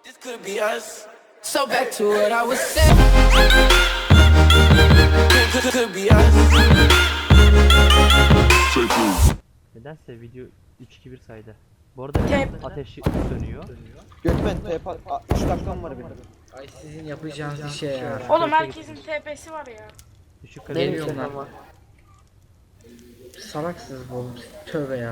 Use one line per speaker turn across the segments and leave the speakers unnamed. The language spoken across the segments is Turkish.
This could be us. So back to what I was saying. Could be us.
Nedense video 3-2-1 saydı. Bu arada ateşi sönüyor.
Gökmen TP 3 dakikam var benim.
Ay sizin yapacağınız bir şey ya.
Oğlum herkesin TP'si var ya.
Düşük
Geliyorum
kalite.
lan. Salaksınız oğlum. Tövbe ya.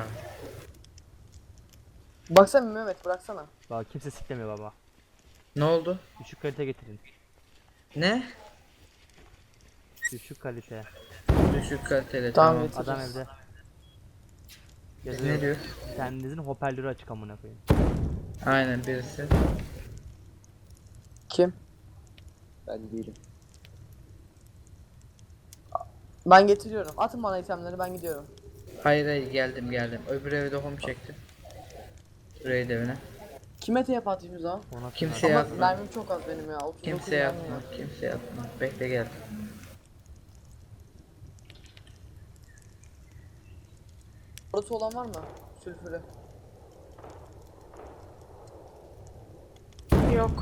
Baksana Mehmet bıraksana.
Bak kimse siklemiyor baba.
Ne oldu?
Düşük kalite getirin.
Ne?
Düşük kalite.
Düşük kaliteli.
Tamam,
Tamam.
getir.
Adam evde.
Ne diyor?
Kendinizin hoparlörü açık amına koyayım.
Aynen birisi.
Kim? Ben değilim. Ben getiriyorum. Atın bana itemleri, ben gidiyorum.
Hayır hayır geldim. Öbür evde home çektim. Raid evine.
Kime TP atayım o zaman?
Ona
Kimse
Ama
yapma.
mermim çok az benim ya. 39
Kimse
mermim
yapma.
var.
Kimse yapma. Bekle gel.
Orası olan var mı? Sülfürü.
Yok.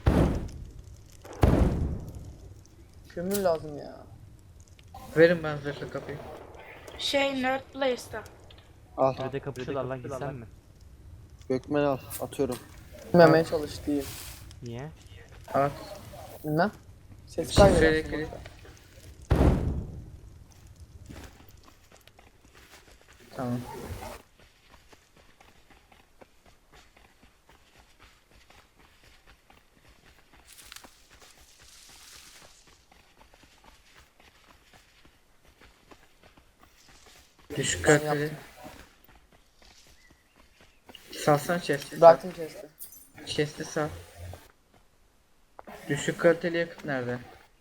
Kömür lazım ya.
Verin ben zırhlı kapıyı.
Nerd Place'da.
Al.
Şurada kapışıyorlar lan gitsen mi?
Gökmen al. Atıyorum. Bilmemeye çalış değil.
Niye?
At.
Bilmem. Ses
Şifreli
kaybedersin.
kilit. Tamam. Düşük
Ben
kaliteli.
yaptım.
Salsana chest'i.
Bıraktım chest'i.
Chest'i sal. Düşük kaliteli yakıt nerede?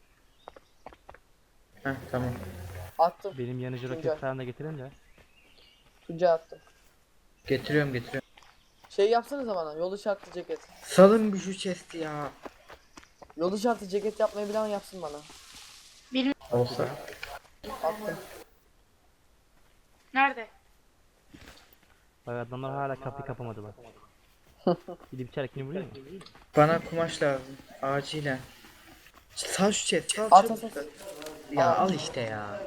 Heh tamam.
Attım.
Benim yanıcı
Tuncay.
roket falan da getirin de.
Tuncay attım.
Getiriyorum.
Şey yapsanıza bana. Yol işaretli ceket.
Salın bir şu chest'i ya.
Yol işaretli ceket yapmayı bilen yapsın bana.
Olsa.
Attım.
Nerede?
Bak adamlar hala kapıyı kapamadılar. Gidip içeridekini vuruyor mu?
Bana kumaş lazım. Acilen. Sal şu chest. Sal
At,
çabuk.
at.
Ya al işte ya.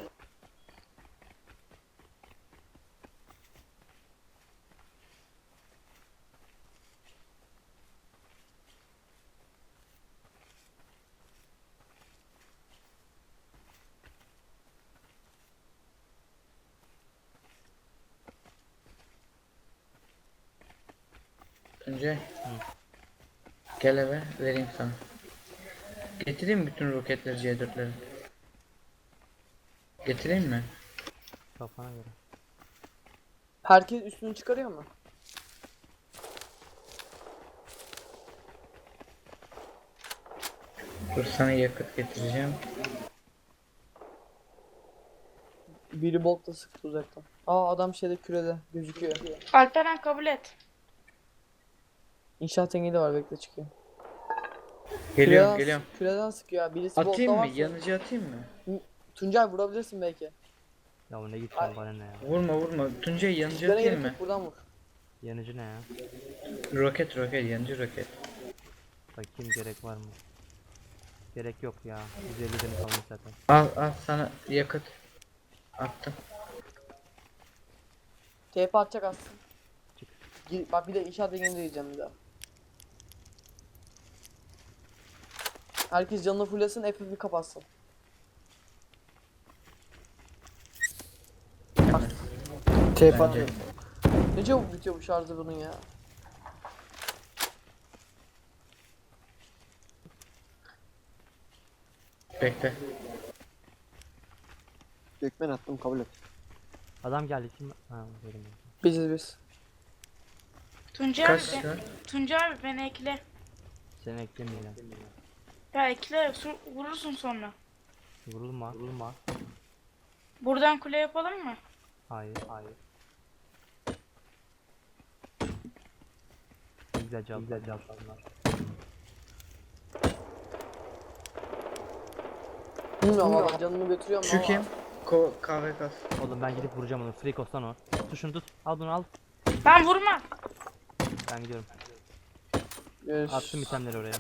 Önce gel eve vereyim sana. Getireyim mi bütün roketleri C4'leri? Getireyim mi?
Kafana göre.
Herkes üstünü çıkarıyor mu?
Dur sana yakıt getireceğim.
Biri boltla sıktı uzaktan. Aa adam şeyde kürede gözüküyor.
Alperen kabul et.
İnşaat engeli var, bekle çıkıyor.
Geliyorum.
Küreden sıkıyor ya. Birisi
Atayım
boltla
mı?
varsa.
Yanıcı atayım mı?
Tuncay vurabilirsin belki.
Ya o ne git sen bana ne ya?
Vurma. Tuncay yanıcı
Sizlere
atayım
gerek
mı?
yok, buradan vur.
Yanıcı ne ya?
Roket yanıcı roket.
Bakayım gerek var mı? Gerek yok ya. 150 tane kalmış zaten.
Al sana yakıt. Attım.
TP atacak aslında.
Çık.
Bak bir de inşaat engeli diyeceğim bir daha. Herkes canını fullesin, FF'i kapatsın.
TP
Ne çabuk bitiyor bu şarjı bunun ya.
Bekle.
Gökmen attım, kabul et.
Adam geldi kim? Ha dedim.
Biz.
Tuncay
Kaç
abi,
şu an?
Tuncay abi beni ekle.
Seni eklemeyeceğim.
Ya ekle vurursun sonra.
Vurulma.
Buradan kule yapalım mı?
Hayır. Güzel cevap.
Bilmiyorum valla canını götürüyor
Şu
ama.
kim? Kahve kas.
Oğlum ben gidip vuracağım onu. Frikos lan o. Tut şunu tut. Al bunu al.
Ben vurma.
Ben gidiyorum. Attım itemleri oraya.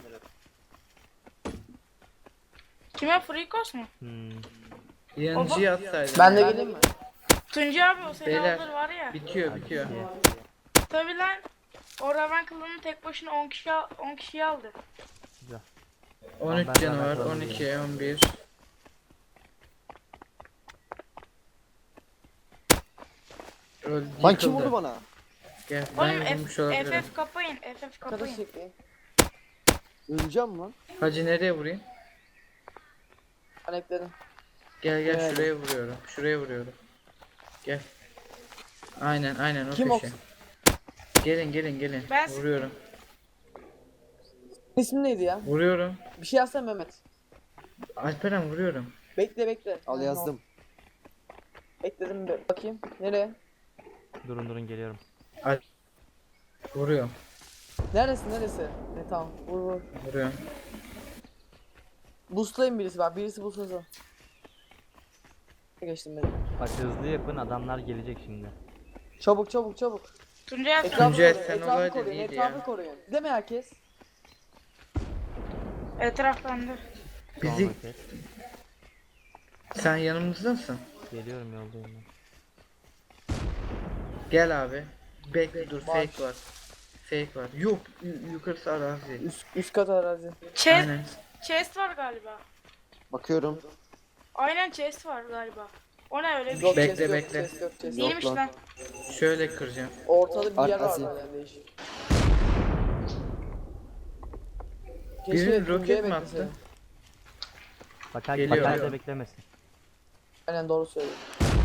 Kime Frikos mu?
Yanıcıyı atsaydın.
Ben de
ya.
geleyim mi?
Tuncay abi o seni
Beyler.
alır var ya.
Bitiyor bitiyor.
İyi.
Tabi lan. O Raven kılını tek başına 10 kişi aldı.
Güzel.
13
ben
canı var.
hemen
12, 11. Öldü,
Lan kim
yıkıldı.
vurdu bana?
Gel ben
Oğlum
vurmuş olabilirim.
FF kapayın. FF
Kada
kapayın.
çekeyim.
Öleceğim lan.
Hacı nereye vurayım?
Ben ekledim.
Gel gel
Evet.
şuraya vuruyorum. Şuraya vuruyorum. Gel. Aynen o
Kim
köşe.
o?
Gelin.
Ben-
Vuruyorum.
İsmin neydi ya?
Vuruyorum.
Bir şey yazsana Mehmet.
Alperen vuruyorum.
Bekle.
Al
Ha,
yazdım.
Ekledim bir bakayım. Nereye?
Durun geliyorum.
Vuruyorum.
Neresi? Ne tamam. Vur.
Vuruyorum.
Boostlayın birisi bak. Birisi boostlasın. Geçtim beni.
Bak hızlı yapın, adamlar gelecek şimdi.
Çabuk.
Tuncay abi.
Etrafı
Tuncay,
koruyun.
sen
Etrafı
olaydın,
koruyun.
iyiydi
Etrafı
ya.
koruyun. Değil mi herkes?
Etraf bende.
Bizi
Tamam, okey.
sen yanımızdasın.
Geliyorum, yoldayım ben.
Gel abi. Bekle dur
Var.
Fake var. Yok yukarısı arazi.
Üst kat arazi.
Aynen.
Chest var galiba.
Bakıyorum.
Aynen chest var galiba. O ne öyle bir
Yok,
şey?
Bekle,
chest yok,
bekle.
chest yok.
Değilmiş
lan.
lan.
Şöyle kıracağım.
Ortada bir yer var
Arkası.
yani değişik.
Biri roket
Tuncay'ı
mi
bekleseydim.
attı?
Bakar
Geliyor.
bakar da beklemesin.
Aynen doğru söylüyor.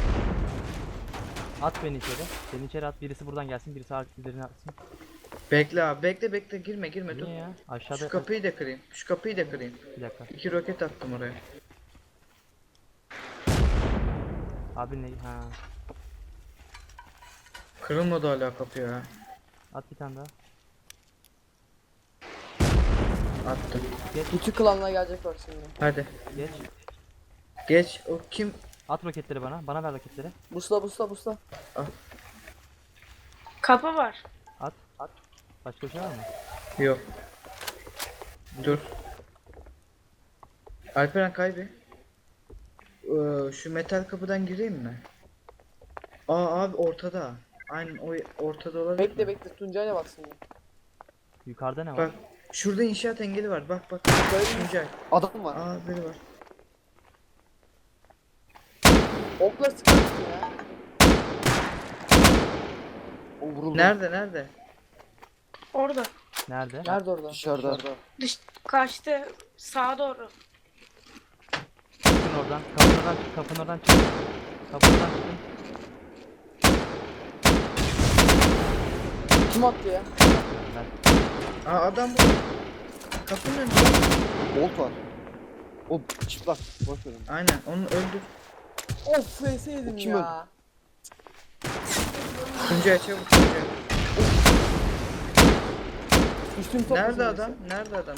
At beni içeri. Beni içeri at, birisi buradan gelsin, birisi üzerine atsın.
Bekle abi bekle girme dur.
Niye ya? Aşağıda
Şu kapıyı da kırayım.
bir dakika.
2 roket attım oraya.
Abi ne? Ha.
Kırılmadı hala kapı ya.
At bir tane daha.
Attım.
Bütün klanlar gelecek bak şimdi.
Hadi.
Geç.
Geç. O kim?
At roketleri bana. Bana ver roketleri.
Busla.
Kapı var.
At. Başka bir şey var mı?
Yok. Dur. Alperen kaybi. Şu metal kapıdan gireyim mi? Aa abi ortada. Aynen o ortada olabilir mi?
Bekle Tuncay'la bak şimdi.
Yukarıda ne var?
Bak şurada inşaat engeli var. Bak. Tuncay.
Adam var.
Aa biri var.
Okla sıkarsın ya.
O vuruldu.
Nerede?
Orada.
Nerede?
Nerede orada?
Dışarıda.
Kaçtı. Sağa doğru.
Çıkın oradan. Kapının oradan çıkın. Kapının oradan çıkın.
Kim attı ya?
Ben-
Aa adam bu. Kapının önünde.
Bolt var. O çıplak. Boş verin.
Aynen onu öldür.
Of vs yedim
Kim
ya.
Tuncay çabuk Tuncay.
Üstüm top
Nerede
bizim
adam? Nerede?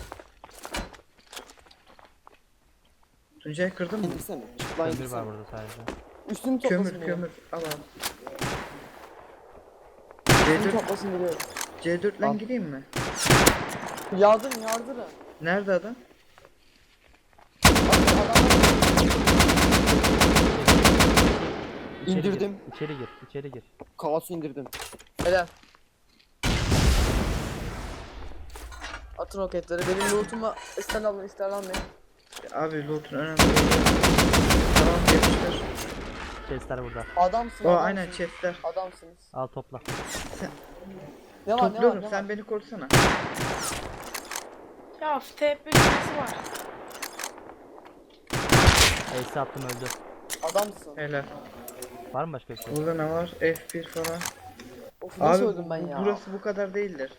Tuncay kırdın mı?
İndirsene. Çıplak
Kömür
indirsene.
var burada sadece.
Üstümü toplasın
Kömür. Al.
Üstümü
C4,
toplasın biliyorum.
C4 lan
Al.
gireyim mi?
Yardırın.
Nerede adam?
İçeri
İndirdim.
Gir. İçeri gir.
Kaosu indirdim.
Helal. Atın roketleri. Benim lootumu ister almayın.
Abi loot'un önemli değil. Tamam yapıştır.
Chestler burada.
Adamsın.
O
adamsın.
aynen chestler.
Adamsınız.
Al topla.
Ne var
Topluyorum
ne
sen
var?
beni korusana.
Ya TP birisi var.
Ace attım, öldü.
Adamsın.
Helal.
Var mı başka bir şey?
Burada ne var? F1 falan.
Of nasıl
Abi
öldüm ben ya?
burası bu kadar değildir.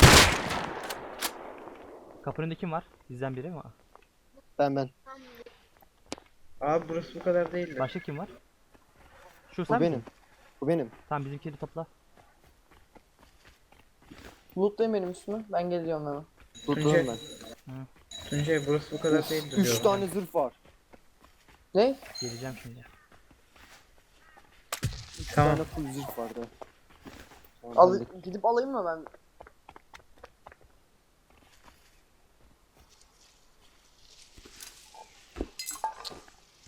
Kapının önünde kim var? Bizden biri mi?
Ben.
Abi burası bu kadar değildir.
Başka kim var? Şu
Bu
sen
benim.
misin?
Bu benim.
Tamam, bizimkileri topla.
Lootlayın benim üstümü. Ben geliyorum hemen.
Tutuyorum ben.
Tuncay burası bu kadar değildir
3
diyorum.
tane zırh var.
Ne?
Geleceğim şimdi.
3
Tamam.
tane full zırh vardı. Tamam,
Al
hallettim.
gidip alayım mı ben?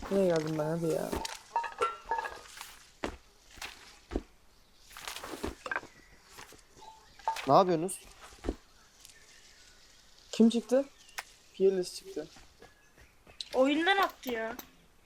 Nereye geldim ben hadi ya.
Ne yapıyorsunuz?
Kim çıktı? Fearless çıktı.
Oyundan attı ya.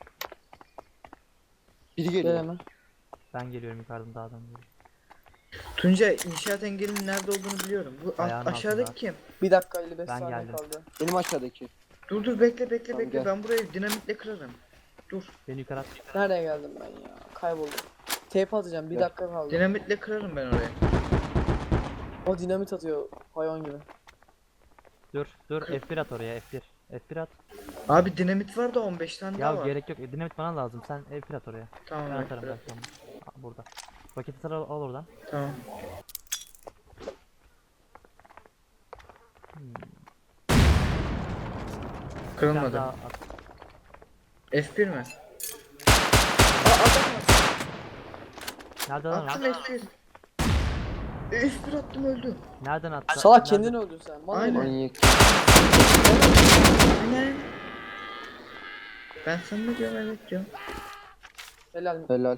Biri
Gel
geliyor.
hemen.
Ben geliyorum yukarıdan dağdan geliyorum.
Tuncay inşaat engelinin nerede olduğunu biliyorum. Bu
Ayağın
aşağıdaki
altında.
kim?
Bir dakika 55
Ben
saniye
geldim.
kaldı.
Benim aşağıdaki.
Dur bekle bekle
Tamam,
bekle.
gel.
Ben burayı dinamitle kırarım. Dur.
Beni yukarı at.
Nereye geldim ben ya? Kayboldum. Tape atacağım. Bir
Gel.
dakika kaldı.
Dinamitle kırarım ben orayı.
O dinamit atıyor hayvan gibi.
Dur F1 at oraya F1. F1 at.
Abi dinamit var da 15 tane
Ya
daha var.
gerek yok. Dinamit bana lazım. Sen F1 at oraya.
Tamam
Ben
evet,
atarım
bırak.
ben sonra. Aa, burada. Paketi sıra al oradan.
Tamam.
Bir tane
Kırılmadı.
daha at.
F1 mi?
Nereden
Attım
at?
F1. F1 attım öldü.
Nereden at?
Salak kendin öldün sen. Bana
Aynen.
ne?
Manyak.
Aynen. Ben sana ne diyorum evet diyorum.
Helal.
Helal.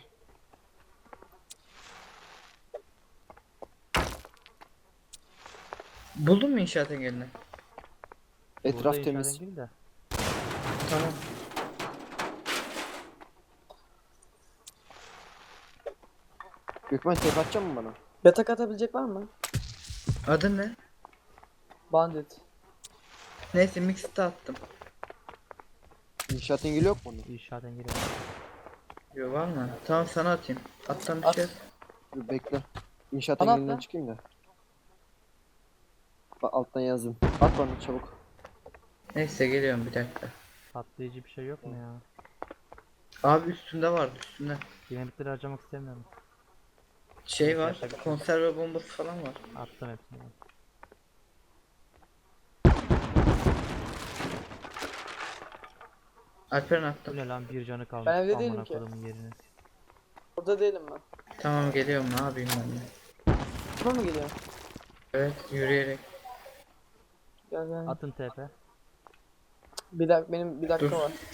Buldun mu inşaat engelini?
Etraf
Burada
temiz.
inşaat engeli de.
Tamam.
Gökmen tek atacak mı bana?
Yatak atabilecek var mı?
Adın ne?
Bandit.
Neyse mixte attım.
İnşaat engeli yok mu onun?
İnşaat engeli.
Yo var mı? Tamam sana atayım. Attan bir
At.
şey.
Dur bekle. İnşaat
Bana
engelinden
atla.
çıkayım da. Bak alttan yazdım. At bana çabuk.
Neyse geliyorum bir dakika.
Patlayıcı bir şey yok mu ya?
Abi üstünde vardı üstünde.
Dinamitleri harcamak istemiyorum.
Şey var.
Yapacak bir şey yok.
Konserve bombası falan var.
Attım hepsini.
Alperen
Bu
attım.
ne lan bir canı kalmış.
Ben evde
Amına
değilim ki.
kodumun yerini.
Orada değilim ben.
Tamam geliyorum ne yapayım ben de.
Buna mı geliyor?
Evet yürüyerek.
Gel gel.
Atın TP.
Bir dakika benim bir dakika
Dur.
var.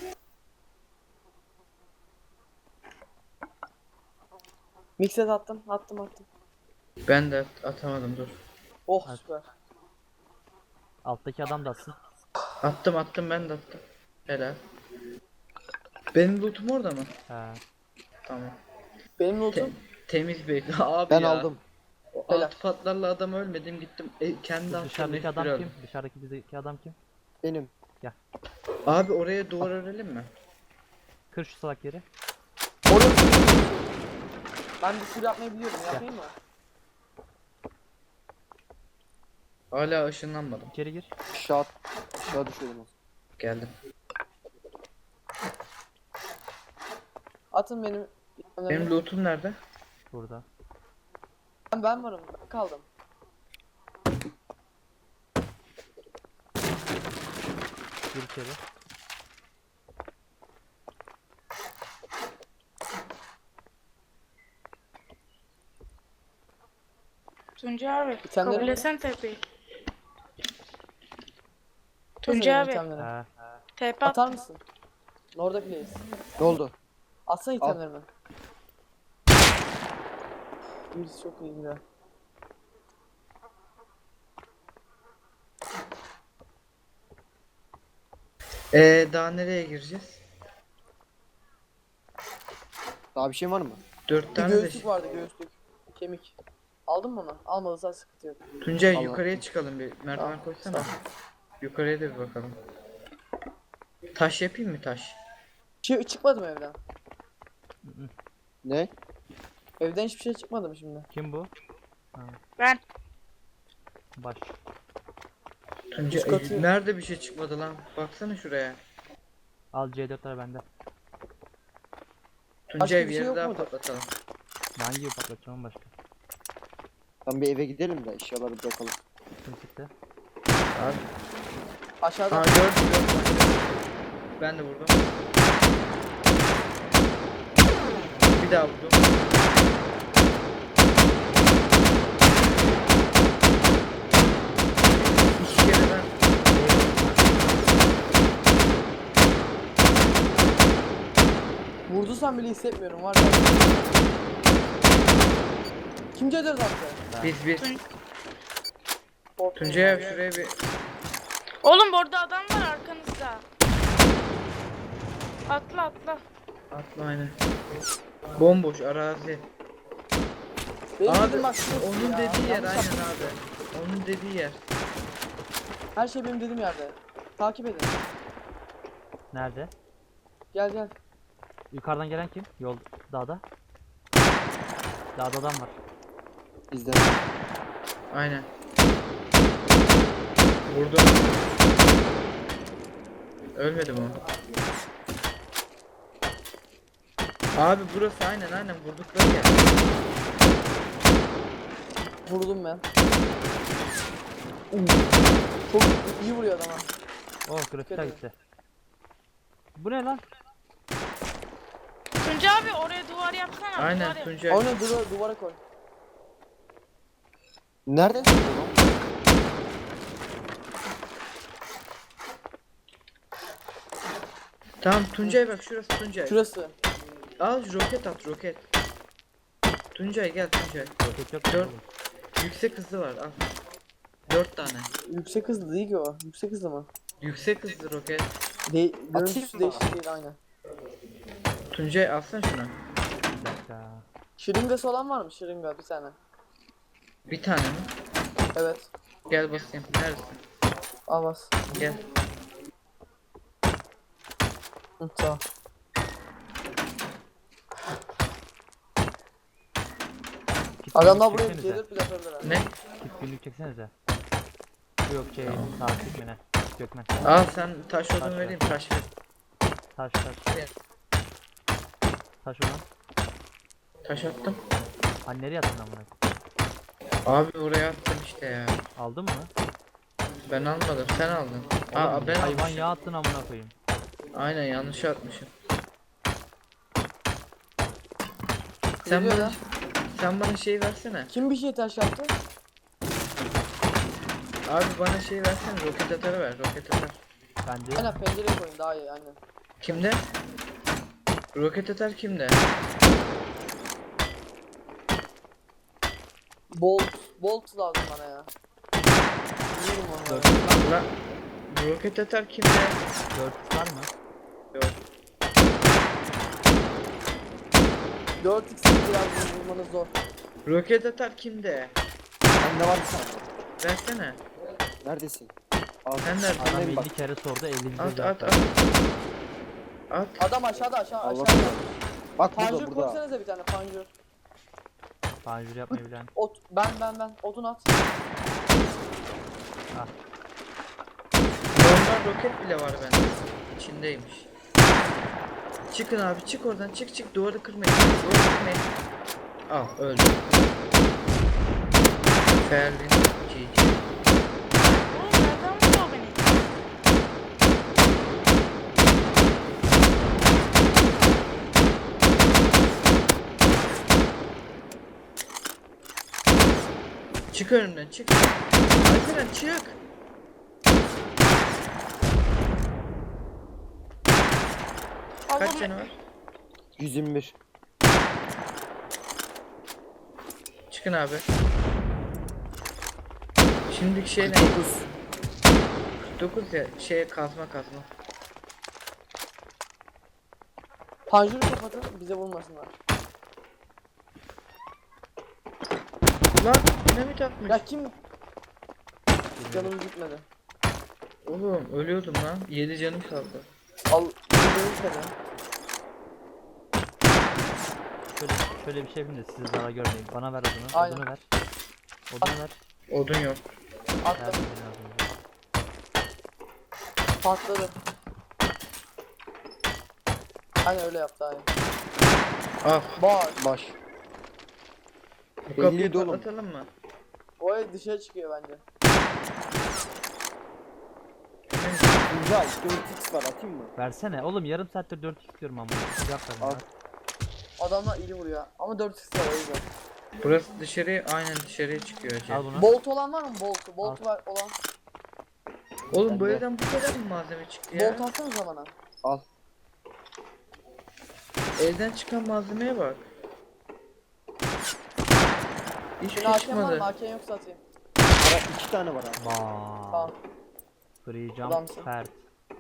Mixet attım. Attım.
Ben de atamadım dur.
Oh
At.
süper.
Alttaki adam da atsın.
Attım ben de attım. Helal. Benim lootum orada mı?
He.
Tamam.
Benim notum.
Temiz bir abi
Ben
ya.
aldım.
O
Helal.
alt patlarla adam ölmedim gittim. Kendi
Bu
attım.
dışarıdaki
F1
adam
aldım.
kim? Dışarıdaki bizdeki adam kim?
Benim.
Abi oraya duvar örelim mi?
Kır şu salak yeri.
Orada. Ben bir sürü yapmayı biliyorum. Yapayım mı?
Hala ışınlanmadım.
İçeri gir.
Aşağı düşüyordum.
Geldim.
Atın benim.
Benim lootum nerede?
Burada.
Ben varım. Ben kaldım.
Gir içeri.
Tuncay abi.
İtemleri
Kabul
mi?
etsen TP'yi.
Atın
Tuncay
benim
abi.
itemleri.
He.
TP
Atar
attım.
mısın? Orada place.
Ne oldu?
Atsana
Al.
itemlerimi. Birisi çok iyi gider.
Daha nereye gireceğiz?
Daha bir şey var mı?
4
Bir
tane de
göğüslük vardı göğüslük. Kemik. Aldın mı onu? Almadıysan sıkıntı yok.
Tuncay
Allah.
yukarıya çıkalım bir merdiven
Tamam,
koysana.
tamam.
Yukarıya da bir bakalım. Taş yapayım mı taş?
Çıkmadım evden.
Ne?
Evden hiçbir şey çıkmadım şimdi.
Kim bu?
Ben.
Baş.
Tuncay
Üst katı-
nerede bir şey çıkmadı lan? Baksana şuraya.
Al C4'ler bende.
Tuncay
bir
bir
şey
yere
yok
daha
muydu?
patlatalım.
Ben gibi patlatacağım başka.
Tam bir eve gidelim de eşyaları bırakalım.
Kim çıktı?
Abi.
Aşağıda.
Aa gördüm. Ben de vurdum. Bir daha vurdum. İki kere ben
vursam bile hissetmiyorum var ya. Kim C4 attı?
Biz. Tuncay abi şuraya bir...
Oğlum orada adam var arkanızda. Atla atla.
Atla aynen. Bomboş arazi.
Benim
Abi
dedim bak şurası
onun
ya.
dediği yer
Yanlış
aynen
yaptım.
abi. Onun dediği yer.
Her şey benim dediğim yerde. Takip edin.
Nerede?
Gel gel.
Yukarıdan gelen kim? Yol dağda. Dağda adam var.
Bizden.
Aynen. Vurdum. Ölmedi mi o? Abi burası aynen vurdukları yer.
Vurdum ben. Çok iyi vuruyor adam ha.
Oh grafikler gitti. Bu ne lan?
Tuncay abi oraya duvar yapsana. duvar
Aynen
yap.
Tuncay.
Onu duvara koy.
Nereden çıktı lan?
Tamam Tuncay bak şurası Tuncay.
Şurası.
Al roket at roket. Tuncay gel Tuncay.
Roket yok mu
Dört.
oğlum?
Yüksek hızlı var al. 4 tane.
Yüksek hızlı değil ki o. Yüksek hızlı mı?
Yüksek hızlı roket.
Görüntüsü
mı?
değişik değil aynı.
Tuncay alsana şunu.
Bir dakika.
Şırıngası olan var mı? Şırınga bir tane.
Bir tane mi?
Evet.
Gel basayım. Neredesin?
Al bas.
Gel.
Hı, tamam.
Kit
Adamlar
günlük
buraya
çeksenize.
gelir bile atabilirler.
Ne?
Kit günlük çeksenize. Yok takip mi ne? Gökmen.
Al sen taş odun
Taş ver.
vereyim taş ver.
Taş.
Gel.
Taş ulan.
Taş attım.
Hani nereye attın amına?
Abi oraya attım işte ya.
Aldın mı?
Ben almadım sen aldın. Aa
Oğlum,
ben
hayvan
almışım.
yağı attın amına koyayım.
Aynen yanlış atmışım. Sen
Geliyor
bana,
ya.
sen bana şey versene.
Kim bir şey taş yaptı?
Abi bana şey versene roket atarı ver roket atar.
Bence
Aynen pencereye koyun daha iyi aynen.
Kimde? Roket atar kimde?
Bolt lazım bana ya. Biliyorum onu.
La roket atar kimde?
4 var mı?
Yok.
4x biraz vurmanız zor.
Roket atar kimde?
Bende var bir tane.
Versene.
Neredesin? Al.
Sen neredesin?
Adam
Annem
50
bak.
kere sordu 50
At at at. At.
Adam aşağıda
Al
aşağıda.
bak. Bak
Panjur
burada burada.
koysanıza bir tane panjur.
Panjur yapmayı bilen.
Ben odun at.
Normal roket bile var bende. İçindeymiş. Çıkın abi çık oradan çık duvarı kırmayın. Duvarı kırmayın. Al öldü. Ferlin GG.
Oğlum nereden vuruyor beni?
Çık önümden çık. Alperen çık. Kaç
Allah'ım.
canı var?
125.
Çıkın abi. Şimdiki şey ne?
49.
49 ya şeye kazma.
Panjuru kapatın bize vurmasınlar.
Lan dinamit atmış.
Ya kim? Canım gitmedi.
Oğlum ölüyordum lan. 7 canım kaldı.
Al canım gitmedi.
Şöyle bir şey yapayım da size zarar görmeyin. Bana ver odunu.
Aynen.
Odunu ver. Odunu ver.
Odun yok.
Attım.
Verdim biraz önce.
Patladı. Aynen öyle yaptı aynen.
Ah
Bak.
Baş.
bu kapıyı
57 oğlum.
patlatalım mı?
O ev dışarı çıkıyor bence.
Tuncay 4x var atayım mı?
Versene. Oğlum yarım saattir 4 istiyorum ama. Cevap ver
Al.
bana.
Adamlar iyi vuruyor ama 4x var o yüzden.
Burası dışarıya aynen dışarıya çıkıyor hacı.
Al bunu.
Bolt olan var mı? Bolt
Al.
var olan.
Oğlum bu
Bende.
evden bu kadar mı malzeme çıktı ya?
Bolt atsanıza bana.
Al.
elden çıkan malzemeye bak. Hiçbir
Senin
şey
AK'n var mı?
çıkmadı.
AK'n yoksa atayım.
Ara 2 tane var abi.
Baa.
Tamam.
Free jump
Adamsın.
fert.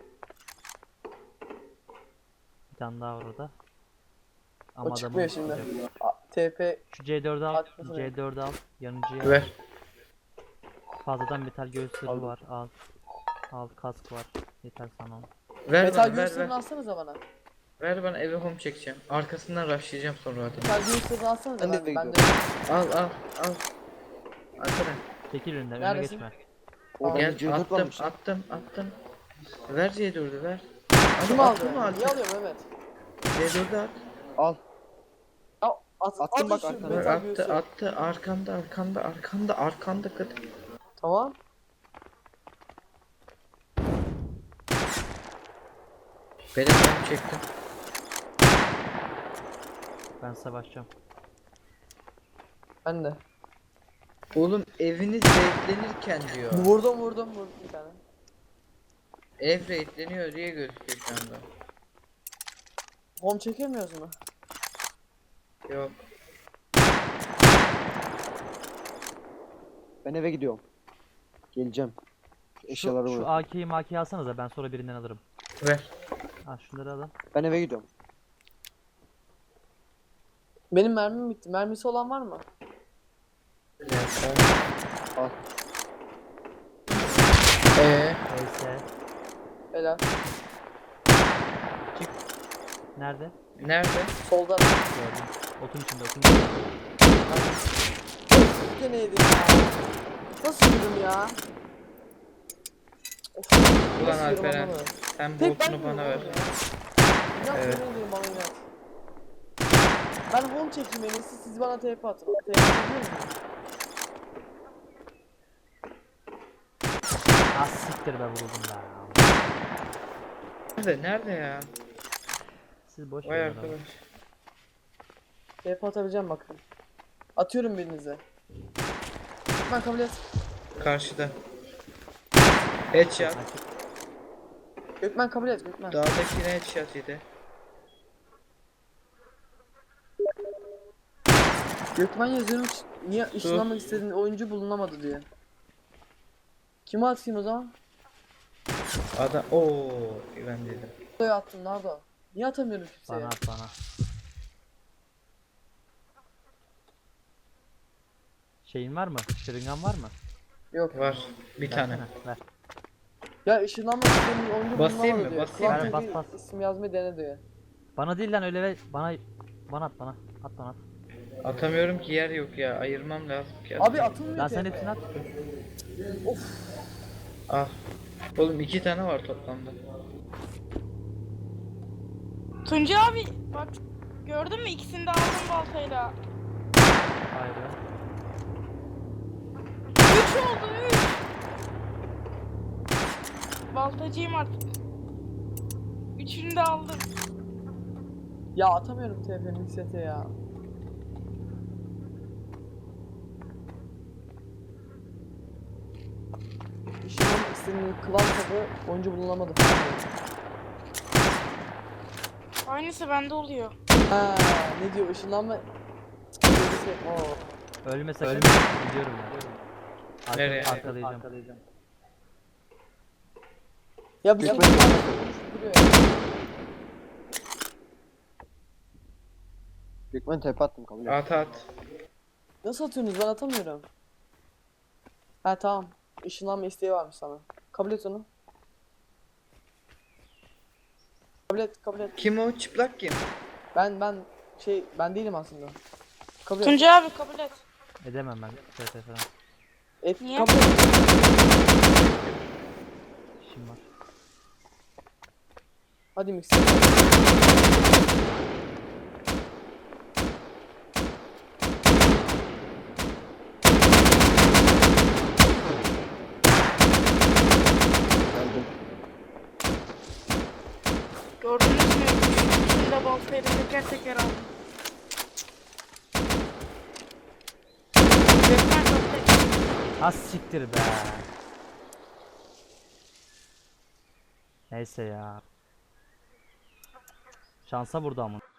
Bir tane daha var orada. Ama
O çıkmıyor
adamın
şimdi.
yok.
TP
Şu C4'ü al.
Arkasına.
C4'ü al. Yanıcıya al.
Ver.
Fazladan metal göğüs zırhı
Aldım.
var. Al. Al kask var. Yeter sana o.
Ver
metal
bana, ver,
göğüslerini
ver.
alsanıza bana.
Ver bana, eve home çekeceğim. Arkasından rushlayacağım sonra adamı.
Metal göğüslerini alsanıza
Ben de
ben de.
Al al al. Arkadan.
Çekil önünden. Önüne
Neredesin?
geçme.
O bende
Gel,
C4
attım
varmış.
attım attım. Ver C4'ü ver.
Kim
Abi,
aldı?
attın mı
Niye
artık?
alıyor Mehmet?
C4'ü at.
Al.
Ya,
Attım bak
şu
arkana.
Ver,
metal göğüsü.
attı arkanda kız.
Tamam.
Benim home çektim.
Ben savaşacağım.
Ben de.
Oğlum eviniz raidlenirken diyor.
Vurdum bir tane.
Ev raidleniyor diye gözüküyor şu anda.
Home çekemiyoruz mu?
Yok.
Ben eve gidiyorum. Geleceğim. Şu eşyaları
Şu
bırak.
AK'yi makiyi alsanıza ben sonra birinden alırım.
Ver.
Ha şunları alın.
Ben eve gidiyorum.
Benim mermim bitti. Mermisi olan var mı?
Al.
Neyse.
Helal.
Nerede?
Nerede?
Soldan.
Gördüm. Otun içinde otun içinde.
Bir de neydi ya? Nasıl yürüdüm ya? Of,
Ulan
nasıl yürüdüm
Alperen.
anlamadım.
Sen
Tek ben
botunu bana
yürüyorum
ver.
ya. İnat
Evet.
yemin ediyorum bana inat. Ben home çekeyim en iyisi siz bana TP atın. TP atabiliyor musunuz?
Ah siktir be vuruldum ya.
Nerede ya?
Siz boş
Vay
verin adamı.
arkadaş.
TP atabileceğim bakın. Atıyorum birinize. Ben kabul et.
Karşıda. Headshot.
Gökmen kabul et Gökmen.
Dağdakine headshot yedi.
Gökmen yazıyorum niye ışınlanmak istediğin oyuncu bulunamadı diye. Kime atayım o zaman?
Adam ooo ben dedim.
Nereye attım nerede? Niye atamıyorum kimseye?
Bana at bana. Şeyin var mı? Şırıngan var mı?
Yok.
Var bir tane.
Versene, ver.
Ya ışınlanmak istediğin oyuncu
Basayım
bulunamadı
mı?
diyor.
Basayım
mı?
Kulak
Bas,
teki
bas.
isim yazmayı dene diyor.
Bana değil lan öyle ver. Bana at bana. At bana at.
Atamıyorum ki, yer yok ya. Ayırmam lazım ki.
Abi atılmıyor
Lan sen
TP.
hepsini at.
Al. Oğlum 2 tane var toplamda.
Tunca abi bak gördün mü ikisini de aldım baltayla.
Vay be.
3 oldu 3. Baltacıyım artık. Üçünü de aldım.
Ya atamıyorum TP miksete ya. Işınlanmak istediğin klan tabi oyuncu bulunamadı falan diyor.
Aynısı bende oluyor.
Ha, ne diyor ışınlanma... Oo.
Ölme sakın. Ölme. Gidiyorum ya.
Nereye?
Arkalayacağım.
Ya bir şey
Gökmen
duruyor ya.
Gökmen tepe attım kabul et.
At at.
Nasıl atıyorsunuz ben atamıyorum. Ha tamam. Işınlanma isteği varmış sana. Kabul et onu. Kabul et.
Kim o? Çıplak kim?
Ben değilim aslında. Kabul et.
Tunca abi kabul et.
Edemem ben. TT falan.
Niye?
Kabul et.
İşim var.
Hadi mikser.
Geldim.
Gördünüz mü? Üçünü de baltayla teker teker aldım. Gökmen kabul et.
Az siktir be. Neyse ya. Şansa vurdu ama.